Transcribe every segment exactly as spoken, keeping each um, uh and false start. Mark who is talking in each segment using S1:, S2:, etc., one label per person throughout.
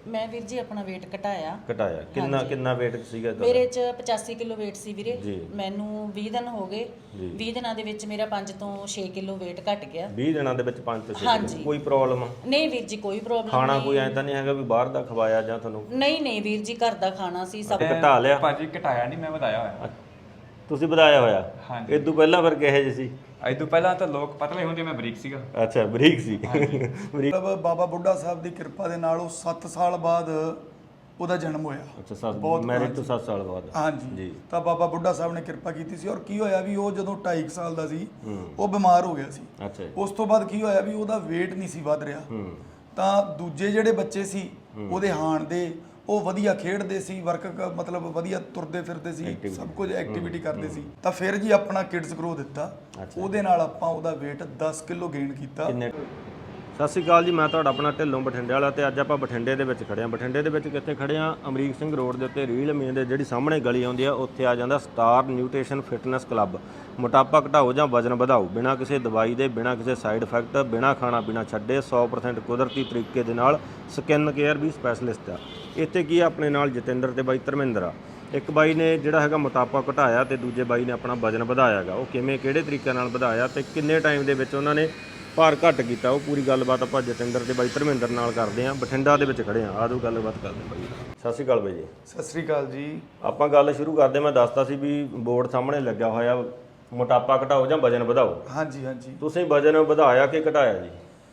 S1: मैं वीर जी अपना वेट घटाया
S2: ਘਟਾਇਆ ਕਿੰਨਾ ਕਿੰਨਾ weight ਸੀਗਾ ਤੁਹਾਡਾ?
S1: ਮੇਰੇ ਚ ਪਚਾਸੀ ਕਿਲੋ weight ਸੀ ਵੀਰੇ
S2: ਜੀ।
S1: ਮੈਨੂੰ ਵੀਹ ਦਿਨ ਹੋ ਗਏ
S2: ਜੀ।
S1: ਵੀਹ ਦਿਨਾਂ ਦੇ ਵਿੱਚ ਮੇਰਾ ਪੰਜ ਤੋਂ ਛੇ ਕਿਲੋ weight ਘਟ ਗਿਆ
S2: ਵੀਹ ਦਿਨਾਂ ਦੇ ਵਿੱਚ ਪੰਜ ਤੋਂ ਛੇ
S1: ਹਾਂਜੀ।
S2: ਕਿਲੋ। ਕੋਈ ਪ੍ਰੋਬਲਮ
S1: ਨਹੀਂ ਵੀਰ ਜੀ ਕੋਈ ਪ੍ਰੋਬਲਮ
S2: ਖਾਣਾ
S1: ਨਹੀਂ
S2: ਕੋਈ ਐਂ ਤਾਂ ਨਹੀਂ ਹੈਗਾ ਵੀ ਬਾਹਰ ਦਾ ਖਵਾਇਆ ਜਾਂ ਤੁਹਾਨੂੰ
S1: ਨਹੀਂ ਨਹੀਂ ਵੀਰ ਜੀ ਘਰ ਦਾ ਖਾਣਾ ਸੀ ਸਭ
S2: ਘਟਾ ਲਿਆ?
S3: ਭਾਜੀ ਘਟਾਇਆ ਨਹੀਂ, ਮੈਂ ਵਧਾਇਆ ਹੋਇਆ।
S2: ਤੁਸੀਂ ਵਧਾਇਆ ਹੋਇਆ?
S3: ਹਾਂਜੀ।
S2: ਇਹ ਤੋਂ ਪਹਿਲਾਂ ਫਿਰ ਕਿਹੋ ਜਿਹੇ ਸੀ?
S3: ਅੱਜ ਤੋਂ ਪਹਿਲਾਂ ਤਾਂ ਲੋਕ ਪਤਲੇ ਹੁੰਦੇ, ਮੈਂ ਬਰੀਕ ਸੀਗਾ।
S2: ਅੱਛਾ ਬਰੀਕ ਸੀ। ਬਰੀਕ।
S4: ਮਤਲਬ ਬਾਬਾ ਬੁੱਢਾ ਸਾਹਿਬ ਦੀ ਕਿਰਪਾ ਦੇ ਨਾਲ ਉਹ ਸੱਤ ਸਾਲ ਬਾਅਦ ਉਹਦਾ ਜਨਮ ਹੋਇਆ।
S2: ਅੱਛਾ ਸੱਤ
S4: ਬਹੁਤ
S2: ਮੈਰਿਜ ਤੋਂ ਸੱਤ ਸਾਲ ਬਾਅਦ।
S4: ਹਾਂਜੀ
S2: ਜੀ।
S4: ਤਾਂ ਬਾਬਾ ਬੁੱਢਾ ਸਾਹਿਬ ਨੇ ਕਿਰਪਾ ਕੀਤੀ ਸੀ। ਔਰ ਕੀ ਹੋਇਆ ਵੀ ਉਹ ਜਦੋਂ ਢਾਈ ਕੁ ਸਾਲ ਦਾ ਸੀ ਉਹ ਬਿਮਾਰ ਹੋ ਗਿਆ ਸੀ।
S2: ਅੱਛਾ ਜੀ।
S4: ਉਸ ਤੋਂ ਬਾਅਦ ਕੀ ਹੋਇਆ ਵੀ ਉਹਦਾ weight ਨਹੀਂ ਸੀ ਵੱਧ ਰਿਹਾ।
S2: ਹੂੰ।
S4: ਤਾਂ ਦੂਜੇ ਜਿਹੜੇ ਬੱਚੇ ਸੀ ਉਹਦੇ ਹਾਣ ਦੇ ਉਹ ਵਧੀਆ ਖੇਡਦੇ ਸੀ, ਵਰਕ ਮਤਲਬ ਵਧੀਆ ਤੁਰਦੇ ਫਿਰਦੇ ਸੀ, ਸਭ ਕੁਝ ਐਕਟੀਵਿਟੀ ਕਰਦੇ ਸੀ। ਤਾਂ ਫਿਰ ਜੀ ਆਪਣਾ ਕਿਡਸ ਗਰੋ ਦਿੱਤਾ, ਉਹਦੇ ਨਾਲ ਆਪਾਂ ਉਹਦਾ weight ਦਸ ਕਿਲੋ ਗੇਨ ਕੀਤਾ।
S2: ਕਿੰਨੇ? ਸਤਿ ਸ਼੍ਰੀ ਅਕਾਲ ਜੀ, ਮੈਂ ਤੁਹਾਡਾ ਆਪਣਾ ਢਿੱਲੋਂ ਬਠਿੰਡੇ ਵਾਲਾ ਤੇ ਅੱਜ ਆਪਾਂ ਬਠਿੰਡੇ ਦੇ ਵਿੱਚ ਖੜੇ ਹਾਂ। ਬਠਿੰਡੇ ਦੇ ਵਿੱਚ ਕਿੱਥੇ ਖੜੇ ਹਾਂ? ਅਮਰੀਕ ਸਿੰਘ ਰੋਡ ਦੇ ਉੱਤੇ ਰੀਲ ਮੇਨ ਦੇ ਜਿਹੜੀ ਸਾਹਮਣੇ ਗਲੀ ਆਉਂਦੀ ਆ ਉੱਥੇ ਆ ਜਾਂਦਾ ਸਟਾਰ ਨਿਊਟ੍ਰੀਸ਼ਨ ਫਿਟਨੈਸ ਕਲੱਬ। ਮੋਟਾਪਾ ਘਟਾਓ ਜਾਂ ਵਜ਼ਨ ਵਧਾਓ ਬਿਨਾਂ ਕਿਸੇ ਦਵਾਈ ਦੇ, ਬਿਨਾਂ ਕਿਸੇ ਸਾਈਡ ਇਫੈਕਟ, ਬਿਨਾਂ ਖਾਣਾ ਪੀਣਾ ਛੱਡੇ, ਸੌ ਪ੍ਰਸੈਂਟ ਕੁਦਰਤੀ ਤਰੀਕੇ ਦੇ ਨਾਲ ਸਕਿਨ ਕੇਅਰ ਵੀ ਸਪੈਸ਼ਲਿਸਟ ਆ। ਇੱਥੇ ਕੀ ਆ ਆਪਣੇ ਨਾਲ ਜਤਿੰਦਰ ਤੇ ਬਾਈ ਧਰਮਿੰਦਰ ਆ। ਇੱਕ ਬਾਈ ਨੇ ਜਿਹੜਾ ਹੈਗਾ ਮੋਟਾਪਾ ਘਟਾਇਆ ਤੇ ਦੂਜੇ ਬਾਈ ਨੇ ਆਪਣਾ ਵਜ਼ਨ ਵਧਾਇਆ ਹੈਗਾ। ਉਹ ਕਿਵੇਂ ਕਿਹੜੇ ਤਰੀਕੇ ਨਾਲ ਵਧਾਇਆ ਤੇ ਕਿੰਨੇ ਟਾਈਮ ਦੇ ਵਿੱਚ ਉਹਨਾਂ ਨੇ ਭਾਰ ਘੱਟ ਕੀਤਾ, ਉਹ ਪੂਰੀ ਗੱਲਬਾਤ ਆਪਾਂ ਜਤਿੰਦਰ ਤੇ ਬਾਈ ਧਰਮਿੰਦਰ ਨਾਲ ਕਰਦੇ ਹਾਂ। ਬਠਿੰਡਾ ਦੇ ਵਿੱਚ ਖੜੇ ਹਾਂ, ਆਜੋ ਗੱਲਬਾਤ ਕਰਦੇ ਹਾਂ ਬਾਈ। ਸਤਿ ਸ਼੍ਰੀ ਅਕਾਲ ਬਾਈ ਜੀ।
S4: ਸਤਿ ਸ੍ਰੀ ਅਕਾਲ ਜੀ।
S2: ਆਪਾਂ ਗੱਲ ਸ਼ੁਰੂ ਕਰਦੇ। ਮੈਂ ਦੱਸਦਾ ਸੀ ਵੀ ਬੋਰਡ ਸਾਹਮਣੇ ਲੱਗਿਆ ਹੋਇਆ ਮੋਟਾਪਾ ਘਟਾਓ ਜਾਂ ਵਜ਼ਨ ਵਧਾਓ।
S4: ਹਾਂਜੀ ਹਾਂਜੀ।
S2: ਤੁਸੀਂ ਵਜ਼ਨ ਵਧਾਇਆ ਕਿ ਘਟਾਇਆ ਜੀ?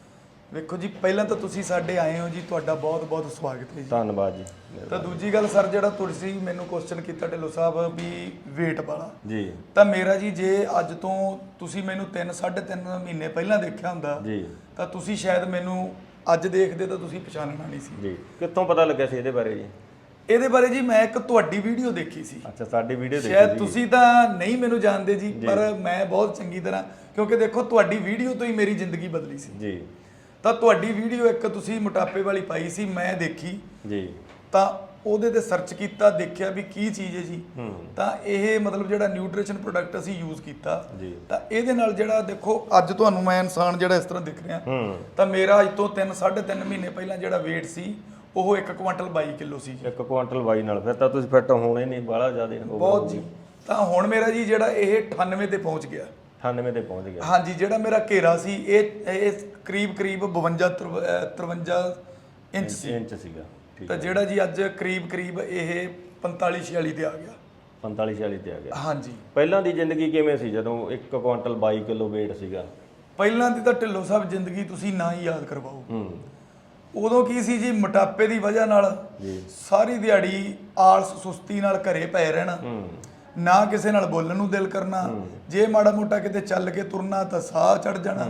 S4: ਵੇਖੋ ਜੀ, ਪਹਿਲਾਂ ਤਾਂ ਤੁਸੀਂ ਸਾਡੇ ਆਏ ਹੋ ਜੀ, ਤੁਹਾਡਾ ਬਹੁਤ ਬਹੁਤ ਸਵਾਗਤ ਹੈ ਜੀ।
S2: ਧੰਨਵਾਦ ਜੀ।
S4: ਤਾਂ ਦੂਜੀ ਗੱਲ ਸਰ, ਜਿਹੜਾ ਤੁਸੀਂ ਮੈਨੂੰ ਕੁਐਸਚਨ ਕੀਤਾ ਢਿੱਲੋਂ ਸਾਹਿਬ ਵੀ weight ਵਾਲਾ,
S2: ਜੀ
S4: ਤਾਂ ਮੇਰਾ ਜੀ ਜੇ ਅੱਜ ਤੋਂ ਤੁਸੀਂ ਮੈਨੂੰ ਤਿੰਨ ਸਾਢੇ ਤਿੰਨ ਮਹੀਨੇ ਪਹਿਲਾਂ ਦੇਖਿਆ ਹੁੰਦਾ
S2: ਜੀ
S4: ਤਾਂ ਤੁਸੀਂ ਸ਼ਾਇਦ ਮੈਨੂੰ ਅੱਜ ਦੇਖਦੇ ਤਾਂ ਤੁਸੀਂ ਪਛਾਣਨਾ ਨਹੀਂ ਸੀ।
S2: ਜੀ। ਕਿੱਥੋਂ ਪਤਾ ਲੱਗਿਆ ਸੀ ਇਹਦੇ ਬਾਰੇ ਜੀ?
S4: ਇਹਦੇ ਬਾਰੇ ਜੀ ਮੈਂ ਇੱਕ ਤੁਹਾਡੀ ਵੀਡੀਓ ਦੇਖੀ ਸੀ।
S2: ਅੱਛਾ, ਸਾਡੀ ਵੀਡੀਓ ਦੇਖੀ
S4: ਸ਼ਾਇਦ
S2: ਸੀ।
S4: ਤੁਸੀਂ ਤਾਂ ਨਹੀਂ ਮੈਨੂੰ ਜਾਣਦੇ ਜੀ, ਪਰ ਮੈਂ ਬਹੁਤ ਚੰਗੀ ਤਰ੍ਹਾਂ, ਕਿਉਂਕਿ ਦੇਖੋ ਤੁਹਾਡੀ ਵੀਡੀਓ ਤੋਂ ਹੀ ਮੇਰੀ ਜ਼ਿੰਦਗੀ ਬਦਲੀ ਸੀ
S2: ਜੀ।
S4: ਤਾਂ ਤੁਹਾਡੀ ਵੀਡੀਓ ਇੱਕ ਤੁਸੀਂ ਮੋਟਾਪੇ ਵਾਲੀ ਪਾਈ ਸੀ, ਮੈਂ ਦੇਖੀ
S2: ਜੀ।
S4: ਤਾਂ ਉਹਦੇ ਤੇ ਸਰਚ ਕੀਤਾ, ਦੇਖਿਆ ਵੀ ਕੀ ਚੀਜ਼ ਹੈ ਜੀ।
S2: ਹੂੰ।
S4: ਤਾਂ ਇਹ ਮਤਲਬ ਜਿਹੜਾ ਨਿਊਟ੍ਰੀਸ਼ਨ ਪ੍ਰੋਡਕਟ ਅਸੀਂ ਯੂਜ਼ ਕੀਤਾ
S2: ਜੀ।
S4: ਤਾਂ ਇਹਦੇ ਨਾਲ ਜਿਹੜਾ ਦੇਖੋ ਅੱਜ ਤੁਹਾਨੂੰ ਮੈਂ ਇਨਸਾਨ ਜਿਹੜਾ ਇਸ ਤਰ੍ਹਾਂ ਦਿਖ ਰਿਹਾ,
S2: ਹੂੰ।
S4: ਤਾਂ ਮੇਰਾ ਅੱਜ ਤੋਂ ਤਿੰਨ ਸਾਢੇ ਤਿੰਨ ਮਹੀਨੇ ਪਹਿਲਾਂ ਜਿਹੜਾ weight ਸੀ ਉਹ ਇੱਕ ਕੁਆਂਟਲ ਬਾਈ ਕਿਲੋ ਸੀ ਜੀ।
S2: ਇੱਕ ਕੁਆਂਟਲ ਬਾਈ ਨਾਲ ਫਿਰ ਤਾਂ ਤੁਸੀਂ ਫਿੱਟ ਹੋਣੇ ਨਹੀਂ ਬਾਹਲਾ ਜ਼ਿਆਦਾ।
S4: ਬਹੁਤ ਜੀ। ਤਾਂ ਹੁਣ ਮੇਰਾ ਜੀ ਜਿਹੜਾ ਇਹ ਅਠਾਨਵੇਂ ਤੇ ਪਹੁੰਚ ਗਿਆ।
S2: ਅਠਾਨਵੇਂ ਤੇ ਪਹੁੰਚ ਗਿਆ।
S4: ਹਾਂਜੀ, ਜਿਹੜਾ ਮੇਰਾ ਘੇਰਾ ਸੀ ਇਹ ਇਹ ਕਰੀਬ ਕਰੀਬ ਬਵੰਜਾ ਤਰਵੰਜਾ ਇੰਚ ਸੀ।
S2: ਇੰਚ ਸੀਗਾ। ਠੀਕ
S4: ਤਾਂ ਜਿਹੜਾ ਜੀ ਅੱਜ ਕਰੀਬ ਕਰੀਬ ਇਹ ਪੰਤਾਲੀ ਛਿਆਲੀ ਤੇ ਆ ਗਿਆ।
S2: ਪੰਤਾਲੀ ਛਿਆਲੀ ਤੇ ਆ ਗਿਆ।
S4: ਹਾਂਜੀ।
S2: ਪਹਿਲਾਂ ਦੀ ਜ਼ਿੰਦਗੀ ਕਿਵੇਂ ਸੀ ਜਦੋਂ ਇੱਕ ਕੁਆਂਟਲ ਬਾਈ ਕਿਲੋ weight ਸੀਗਾ?
S4: ਪਹਿਲਾਂ ਦੀ ਤਾਂ ਢਿੱਲੋਂ ਸਾਹਿਬ ਜ਼ਿੰਦਗੀ ਤੁਸੀਂ ਨਾ ਹੀ ਯਾਦ ਕਰਵਾਓ।
S2: ਹੂੰ।
S4: ਉਦੋਂ ਕੀ ਸੀ ਜੀ, ਮੋਟਾਪੇ ਦੀ ਵਜ੍ਹਾ ਨਾਲ
S2: ਜੀ।
S4: ਸਾਰੀ ਦਿਹਾੜੀ ਆਲਸ ਸੁਸਤੀ ਨਾਲ ਘਰੇ ਪਏ ਰਹਿਣਾ,
S2: ਹੂੰ।
S4: ਨਾ ਕਿਸੇ ਨਾਲ ਬੋਲਣ ਨੂੰ ਦਿਲ ਕਰਨਾ, ਜੇ ਮਾੜਾ ਮੋਟਾ ਕਿਤੇ ਚੱਲ ਕੇ ਤੁਰਨਾ ਤਾਂ ਸਾਹ ਚੜ ਜਾਣਾ,